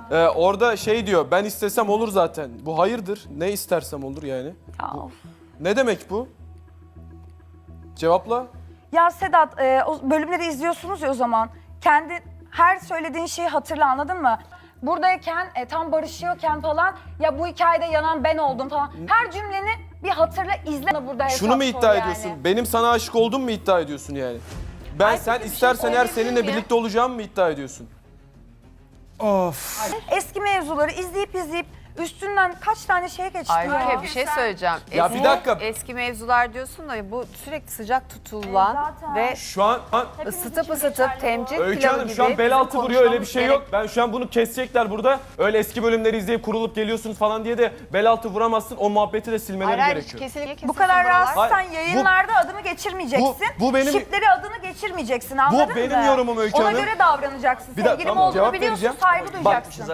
Orada şey diyor, ben istesem olur zaten. Bu hayırdır, ne istersem olur yani. Ya, of. Ne demek bu? Cevapla. Ya Sedat, o bölümleri izliyorsunuz ya o zaman. Kendi her söylediğin şeyi hatırla, anladın mı? Buradayken, tam barışıyorken falan, ya bu hikayede yanan ben oldum falan. Her cümleni bir hatırla, izle burada hesap Şunu mu sor iddia yani. ediyorsun? Benim sana aşık oldum mu iddia ediyorsun yani? Ben Ay, sen peki bir şey istersen eğer söyleyebilir seninle miyim? birlikte olacağım mı iddia ediyorsun? Of. Eski mevzuları izleyip üstünden kaç tane şey geçti ya. Ayrıca bir şey söyleyeceğim. Ya bir dakika. Eski mevzular diyorsun da bu sürekli sıcak tutulan Zaten. ve Şu an ısıtıp temcik Öykü pilavı Hanım gibi şu an bel altı bizim vuruyor, öyle bir konuşmamız şey yok. Ben şu an bunu kesecekler burada. Öyle eski bölümleri izleyip kurulup geliyorsunuz falan diye de bel altı vuramazsın. O muhabbeti de silmeleri gerekiyor. Kesinlikle Bu kadar rahatsızsan Hayır, yayınlarda adını geçirmeyeceksin. bu benim- Şipleri adını geçirmeyeceksin, anladın mı? benim yorumum Öykü Ona Hanım. göre davranacaksın. Bir dakika, Sevgilim tamam, olduğunu cevap biliyorsun, vereceğim. saygı Bak, duyacaksın.